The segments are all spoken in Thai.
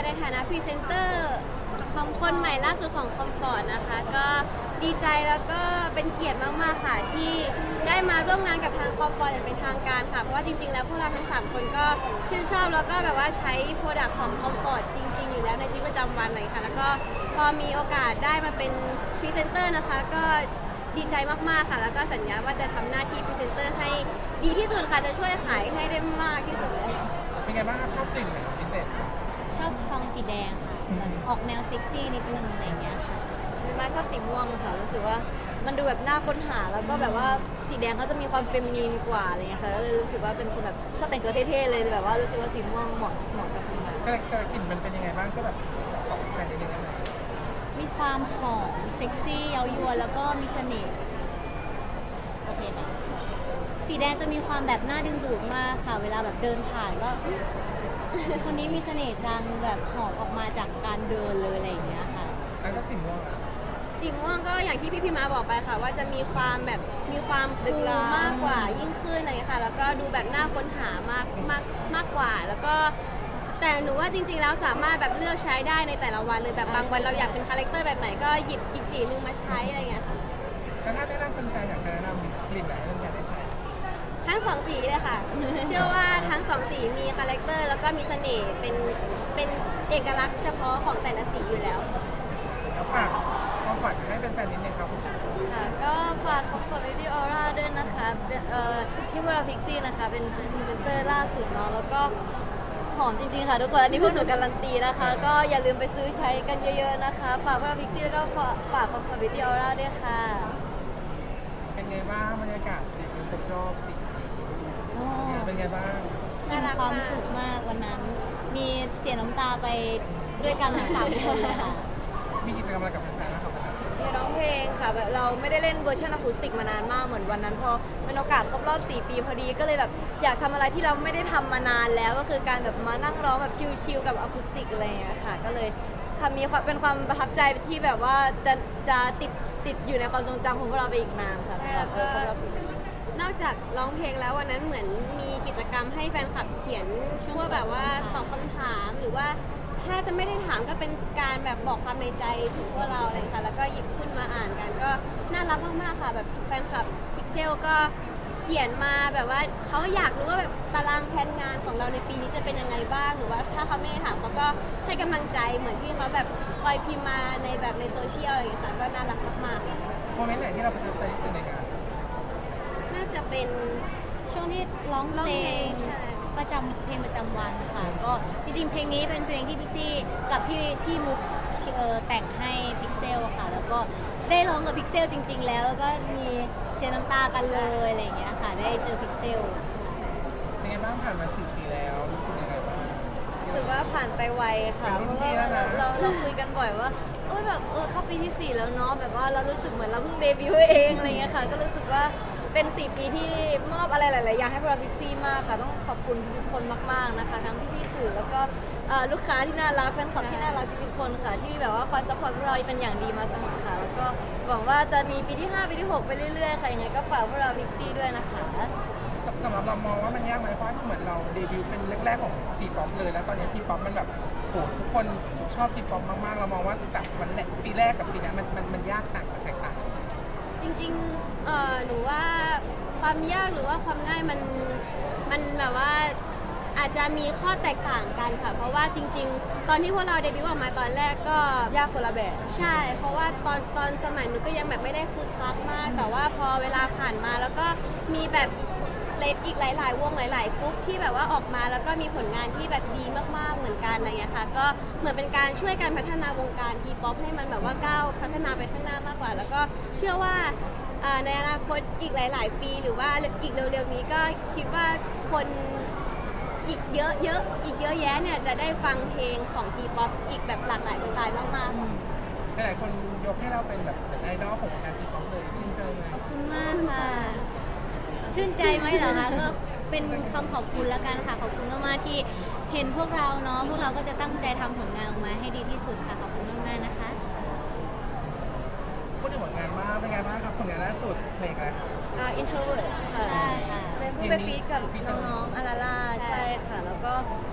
ในฐานะพรีเซนเตอร์ของคนใหม่ล่าสุดของคอมฟอร์ตนะคะก็ดีใจแล้วก็เป็นเกียรติมากๆค่ะที่ได้มาร่วมงานกับทางคอมฟอร์ตอย่างเป็นทางการค่ะเพราะว่าจริงๆแล้วพวกเราทั้ง3คนก็ชื่นชอบแล้วก็แบบว่าใช้โปรดักต์ของคอมฟอร์ตจริงๆอยู่แล้วในชีวิตประจำวันเลยค่ะแล้วก็พอมีโอกาสได้มาเป็นพรีเซนเตอร์นะคะก็ดีใจมากๆค่ะแล้วก็สัญญาว่าจะทำหน้าที่พรีเซนเตอร์ให้ดีที่สุดค่ะจะช่วยขายให้ได้มากที่สุดเลยค่ะเป็นไงบ้างครับชอบกลิ่นไหนพิเศษชอบซองสีแดงค่ะแบบออกแนวเซ็กซี่นิดนึงอะไรอย่างเงี้ยค่ะมาชอบสีม่วงค่ะรู้สึกว่ามันดูแบบน่าค้นหาแล้วก็แบบว่าสีแดงเขาจะมีความเฟมินีนกว่าอะไรเงี้ยค่ะก็เลยรู้สึกว่าเป็นคนแบบชอบแต่งตัวเท่ๆเลยแบบว่ารู้สึกว่าสีม่วงเหมาะกับคุณมาก็กลิ่นมันเป็นยังไงบ้างช่วยแบบบอกแฟนนิดนึงได้ไหมมีความหอมเซ็กซี่เย้ายวนแล้วก็มีเสน่ห์โอเคค่ะสีแดงจะมีความแบบน่าดึงดูดมากค่ะ เวลาแบบเดินผ่านก็ คนนี้มีเสน่ห์จังแบบหอมออกมาจากการเดินเลยอะไรอย่างเงี้ยค่ะแล้วก็สีม่วงอ่ะสีม่วงก็อย่างที่พี่มาบอกไปค่ะว่าจะมีความแบบมีความฟูมากกว่ายิ่งขึ้นอะไรเงี้ยค่ะแล้วก็ดูแบบน่าค้นหามากกว่าแล้วก็แต่หนูว่าจริงๆแล้วสามารถแบบเลือกใช้ได้ในแต่ละวันเลยแบบบางวันเราอยากเป็นคาแรคเตอร์แบบไหนก็หยิบอีกสีนึงมาใช้อะไรเงี้ยค่ะแล้วถ้าแนะนำคนใจอยากจะแนะนำกลิ่นไหนให้คนใจได้ใช้ทั้งสองสีเลยค่ะ เชื่อว่าทั้งสองสีมีคาแรคเตอร์แล้วก็มีเสน่ห์เป็นเอกลักษณ์เฉพาะของแต่ละสีอยู่แล้วแล้วฝากความฝันให้เป็นแฟนนิดนึงครับผมค่ะก็ฝาก Comfort Beauty Aura ด้วยนะคะที่พวกเราพิกซี่นะคะเป็นพรีเซนเตอร์ล่าสุดเนาะแล้วก็หอมจริงๆค่ะทุกคนอันนี้พวกหนูการันตีนะคะ ก็อย่าลืมไปซื้อใช้กันเยอะๆนะคะฝากพวกเราพิกซี่แล้วก็ฝาก Comfort Beauty Aura ด้วยค่ะเป็นไงบ้างบรรยากาศดีครบรอบ4 ปีเป็นไงบ้างมีความสุขมากวันนั้น มีเสียน้ำตาไปด้วยกันทั้งสามคนเลยค่ะมีกิจกรรมอะไรกับแฟนๆนะครับมีร้องเพลงค่ะแบบเราไม่ได้เล่นเวอร์ชันอะคูสติกมานานมากเหมือนวันนั้นพอเป็นโอกาสครบรอบ4 ปีพอดีก็เลยแบบอยากทำอะไรที่เราไม่ได้ทำมานานแล้วก็คือการแบบมานั่งร้องแบบชิลๆกับอะคูสติกอะไรอย่างเงี้ยค่ะก็เลยค่ะมีความเป็นความประทับใจที่แบบว่าจะติดอยู่ในความทรงจำของพวกเราไปอีกนานค่ะสำหรับครบรอบ4 ปีนอกจากร้องเพลงแล้ววันนั้นเหมือนมีกิจกรรมให้แฟนคลับเขียนช่วงแบบว่าตอบคำถามหรือว่า ถ้าจะไม่ได้ถามก็เป็นการแบบบอกความในใจถึงพวกเราอะไรค่ะแล้วก็หยิบขึ้นมาอ่านกันก็น่ารักมากๆค่ะแบบแฟนคลับพิกเซลก็เขียนมาแบบว่าเขาอยากรู้ว่าแบบตารางแผนงานของเราในปีนี้จะเป็นยังไงบ้างหรือว่าถ้าเขาไม่ได้ถามเขาก็ให้กำลังใจเหมือนที่เขาแบบคอยพิมพ์มาในแบบในโซเชียลอะไรอย่างเงี้ยค่ะก็น่ารักมากๆค่ะโมเมนต์ไหนที่เราประทับใจที่สุดในงานน่าจะเป็นช่วงที่ร้องเพลงใช่ประจำเพลงประจำวันค่ะก็จริงๆ เพลงนี้เป็นเพลงที่พิกซี่กับพี่มุกแต่งให้พิกเซลค่ะ แล้วก็ได้ร้องกับพิกเซลจริง ๆ แล้วก็มีเสียน้ำตากันเลยอะไรอย่างเงี้ยค่ะได้เจอพิกเซลเป็นไงบ้างผ่านมา4 ปีแล้วรู้สึกยังไงบ้างรู้สึกว่าผ่านไปไวค่ะเป็นเพรุ่นราะพี่ว่าแล้วนะเราคุยกันบ่อยว่าโอ้ยแบบเข้าปีที่ 4 แล้วเนาะแบบว่าเรารู้สึกเหมือนเราเพิ่งเดบิวต์เองอะไรเงี้ยค่ะก็รู้สึกว่าเป็น 4 ปีที่มอบอะไรหลายๆอย่างให้พวกเราพิกซี่มากค่ะต้องขอบคุณทุกคนมากๆนะคะทั้งพี่ๆสื่อแล้วก็ลูกค้าที่น่ารักแฟนคลับที่น่ารักทุกๆคนค่ะที่แบบว่าคอยซัพพอร์ตพวกเราเป็นอย่างดีมาเสมอค่ะแล้วก็หวังว่าจะมีปีที่ 5 ปีที่ 6 ไปเรื่อยๆค่ะยังไงก็ฝากพวกเราพิกซี่ด้วยนะคะสำหรับเรามองว่ามันยากไหมเพราะเหมือนเราเดบิวต์เป็นแรกๆของทีป๊อปเลยแล้วตอนนี้ทีป๊อปมันแบบโหทุกคนชอบทีป๊อปมากๆเรามองว่าจากวันแรกปีแรกกับปีนี้มันยากต่างกันแตกต่างจริงๆหนูว่าความยากหรือว่าความง่ายมันแบบว่าอาจจะมีข้อแตกต่างกันค่ะ เพราะว่าจริงๆ ตอนที่พวกเราเดบิวต์ออกมาตอนแรกก็ยากคนละแบบใช่ เพราะว่าตอนสมัยหนูก็ยังแบบไม่ได้คึกคักมาก แต่ว่าพอเวลาผ่านมาแล้วก็มีแบบอีกหลายๆวงหลายๆกรุ๊ปที่แบบว่าออกมาแล้วก็มีผลงานที่แบบดีมากๆเหมือนกันอะไรเงี้ยค่ะก็เหมือนเป็นการช่วยกันพัฒนาวงการทีป๊อปให้มันแบบว่าก้าวพัฒนาไปข้างหน้ามากกว่า แล้วก็เชื่อว่าในอนาคตอีกหลายๆปีหรือว่าอีกเร็วๆนี้ก็คิดว่าคนอีกเยอะอีกเยอะแยะเนี่ยจะได้ฟังเพลงของทีป๊อปอีกแบบหลากหลายสไตล์มากๆหลายๆคนยกให้เราเป็นแบบไอดอลของวงการทีป๊อปเลยชื่นใจไหมขอบคุณมากค่ะ ชื่นใจไหมเหรอคะก็เป็นคำขอบคุณแล้วกันค่ะ ขอบคุณมากๆที่เห็นพวกเราเนาะพวกเราก็จะตั้งใจทำผลงานออกมาให้ดีที่สุดค่ะ ขอบคุณมากๆนะคะพูดถึงผลงานมากเป็นไงบ้างครับผลงานล่าสุดเพลงอะไรครับ introvert ค่ะใช่ค่ะเป็นผู้ไปฟีดกับน้องๆอาราล่าใช่ค่ะ แล้วก็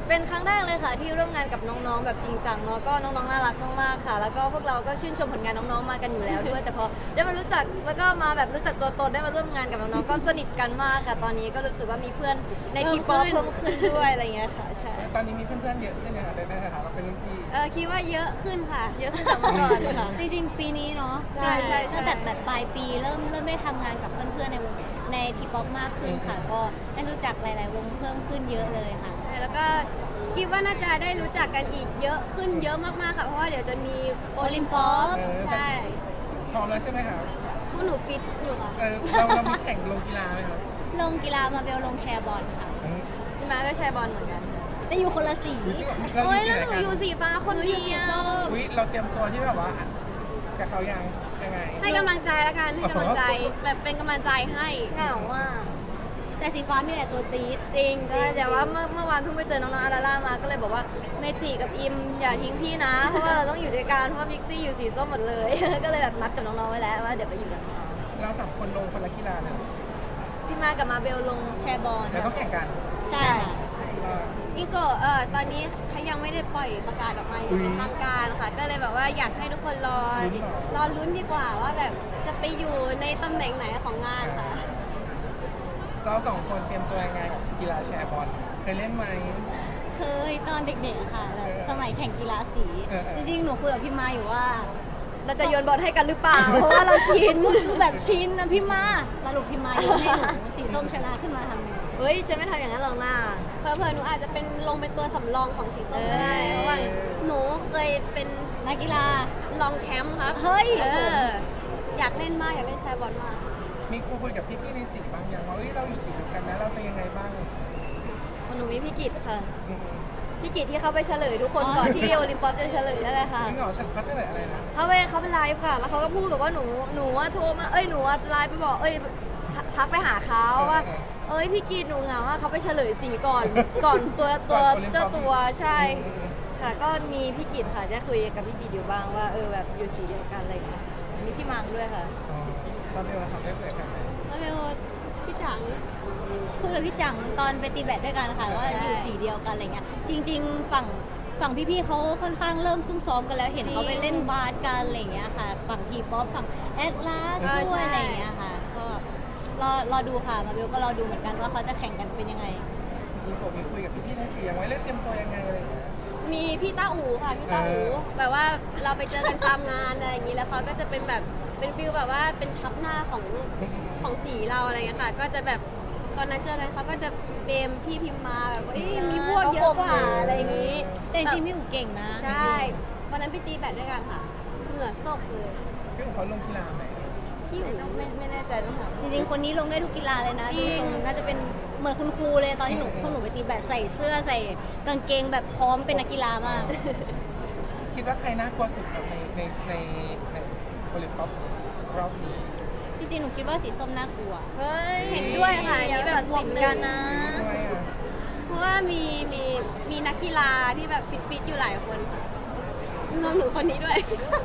เป็นครั้งแรกเลยค่ะที่ร่วมงานกับน้องๆแบบจริงจังเนาะก็น้องๆน่ารักมากๆค่ะ แล้วก็พวกเราก็ชื่นชมผลงานน้องๆมากันอยู่แล้วด้วย แต่พอได้มารู้จักแล้วก็มาแบบรู้จักตัวตนได้มาร่วมงานกับน้องๆก็สนิทกันมากค่ะ ตอนนี้ก็รู้สึกว่ามีเพื่อนในทีป๊อปเพิ่มขึ้นด้วยอะไรเงี้ยค่ะใช่ตอนนี้มีเพื่อนๆเยอะขึ้นเลยค่ะในฐานะเราเป็นรุ่นพี่คิดว่าเยอะขึ้นค่ะ เยอะขึ้นจากเมื่อก่อนค่ะจริงๆ ปีนี้เนาะใช่ใช่ใช่ตั้งแต่แบบปลายปีเริ่มได้ทำงานกับเพื่อนๆในวงในทีป๊อปมากขึ้นค่ะ ก็ได้รู้จักหลายๆ วงเพิ่มขึ้นเยอะเลยค่ะแล้วก็คิดว่าน่าจะได้รู้จักกันอีกเยอะขึ้นเยอะมากๆค่ะ เพราะว่าเดี๋ยวจะมีโอลิมปอปใช่พร้อมแล้วใช่ไหมครับผู้หนูฟิตอยู่ค่ะเรามีแข่งลงกีฬาไหมครับลงกีฬามาเบลลงแชร์บอลค่ะพี่มาก็แชร์บอลเหมือนกันค่ะแต่อยู่คนละสีโอ้ยแล้วหนูอยู่สีฟ้าคนเดียวอุ๊ยเราเตรียมตัวที่แบบว่ากับเขายังไงให้กำลังใจแล้วกันให้กำลังใจแบบเป็นกำลังใจให้เหงาอ่ะแต่สีฟ้ามีแต่ตัวจี๊ดจริงใช่แต่ว่าเมื่อวานเพิ่งไปเจอน้องๆอาราล่ามาก็เลยบอกว่าเมจิกับอิมอย่าทิ้งพี่นะ เพราะว่าเราต้องอยู่ด้วยกันเพราะว่าพิกซี่อยู่สีส้มหมดเลย ก็เลยแบบนัดกับน้องๆไว้แล้วว่าเดี๋ยวไปอยู่กับน้องเราสามคนลงคนละกีฬาเลยๆพี่มากับมาเบลลงแชร์บอลแต่ต้องแข่งกันใช่ค่ะอิงโกะตอนนี้เขายังไม่ได้ปล่อยประกาศออกมาอย่างเป็นทางการค่ะก็เลยแบบว่าอยากให้ทุกคนรอลุ้นดีกว่าว่าแบบจะไปอยู่ในตำแหน่งไหนของงานค่ะเราสองคนเตรียมตัวยังไงกับกีฬาแชร์บอลเคยเล่นไหมเคยตอนเด็กๆค่ะแบบสมัยแข่งกีฬาสีเออจริงๆ หนูคุยกับพี่มาอยู่ว่าเราจะโยนบอลให้กันหรือเปล่า เพราะว่าเราชินคือแบบชินนะพี่มาสรุปพี่มาโยนให้หนูสีส้มชนะขึ้นมาทำไงเฮ้ยฉันไม่ทำอย่างนั้นหรอกนะเผลอๆหนูอาจจะเป็นลงเป็นตัวสำรองของสีส้มก็ได้เพราะว่าหนูเคยเป็นนักกีฬารองแชมป์ครับเฮ้ยอยากเล่นมากอยากเล่นแชร์บอลมากมีคุยกับพี่ๆในสีบางอย่างว่าเราอยู่สีเดียวกันนะเราจะยังไงบ้างหนูมีพี่กิตค่ะอืมพี่กิตที่เขาไปเฉลยทุกคนก่อนที่โอลิมปิกจะเฉลยนั่นแหละค่ะจริงเหรอฉันเขาจะเลยอะไรนะเขาไปไลฟ์ค่ะ แล้วเขาก็พูดแบบว่าหนูว่าโทรมาหนูว่าไลฟ์ไปบอกทักไปหาเขาว่าพี่กิตหนูเหงาว่าเขาไปเฉลยสีก่อนตัวเจ้าตัวใช่ค่ะ ก็มีพี่กิตค่ะได้คุยกับพี่กิตอยู่บ้างว่าแบบอยู่สีเดียวกันอะไรอย่างเงี้ยใช่มีพี่มังด้วยค่ะอ๋อตอนเดียวเราทำได้เคยกันไหมแล้วเบลพี่จังคุยกับพี่จังตอนไปตีแบดด้วยกันค่ะว่าอยู่สีเดียวกันอะไรเงี้ยจริง ๆ ฝั่งพี่ๆเขาค่อนข้างเริ่มซุ่มซ้อมกันแล้วเห็นเขาไปเล่นบาสกันอะไรเงี้ยค่ะ ฝั่งทีป๊อปฝั่งแอดลาสด้วยอะไรเงี้ยค่ะ ก็รอดูค่ะมาเบลก็รอดูเหมือนกันว่าเขาจะแข่งกันเป็นยังไงมีผมมีคุยกับพี่ๆในสียังไว้เรื่องเตรียมตัวยังไงอะไรอย่างเงี้ยมีพี่ต้าอูค่ะพี่ต้าอูแบบว่าเราไปเจอกันตามงานอะไรอย่างนี้แล้วเขาก็จะเป็นแบบเป็นฟิลแบบว่าเป็นทับหน้าของสีเราอะไรเงี้ยค่ะก็จะแบบตอนนั้นเจอกันเขาก็จะเบมพี่พิมพ์มาแบบว่ามีพวกเยอะกว่าอะไรอย่างนี้แต่จริงๆพี่อู๋เก่งนะใช่วันนั้นไปตีแบดด้วยกันค่ะเหงื่อซกเลยพี่ของเขาลงกีฬาไหมพี่อูต้องไม่แน่ใจต้องถามจริงๆคนนี้ลงได้ทุกกีฬาเลยนะจริงดูทน่าจะเป็นเหมือนคุณครูเลยตอนที่พวกหนูไปตีแบดใส่เสื้อใส่กางเกงแบบพร้อมเป็นนักกีฬามากคิดว่าใครน่ากลัวสุดครับในโอลิมปิกรอบนี้จริงๆ หนูคิดว่าสีส้มน่ากลัวเฮ้ยเห็นด้วยค่ะอันนี้แบบบวกกันนะทำไมอ่ะเพราะว่ามีนักกีฬาที่แบบฟิตอยู่หลายคนค่ะรวมหนูคนนี้ด้วย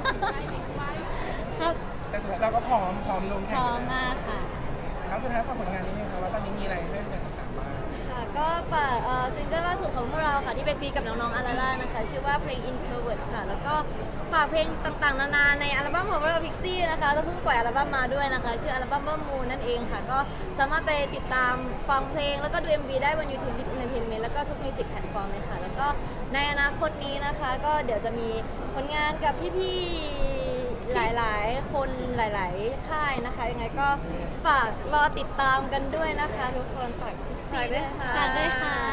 ครับแต่สุดท้ายเราก็พร้อมลงพแข่งร้อมมากค่ะแล้วสุดท้ายฝากผลงานนี้นึงครับว่าตอนนี้มีอะไรให้เป็นต่างๆบ้างค่ะก็ฝากซิงเกิลล่าสุดของพวกเราค่ะที่เป็นฟีกับน้องๆอาราล่านะคะชื่อว่าเพลง Introvert ค่ะแล้วก็ฝากเพลงต่างๆนานาในอัลบั้มของพวกเราพิกซี่นะคะเราเพิ่งปล่อยอัลบั้มมาด้วยนะคะชื่ออัลบั้มว่ามูนั่นเองค่ะก็สามารถไปติดตามฟังเพลงแล้วก็ดู MV ได้บน YouTube Lit Entertainment แล้วก็ทุกมิวสิกแพลตฟอร์มเลยค่ะแล้วก็ในอนาคตนี้นะคะก็เดี๋ยวจะมีผลงานกับพี่ๆหลายๆคนหลายๆค่ายนะคะยังไงก็ฝากรอติดตามกันด้วยนะคะทุกคนฝากพิกซี่ด้วยค่ะฝากด้วยค่ะ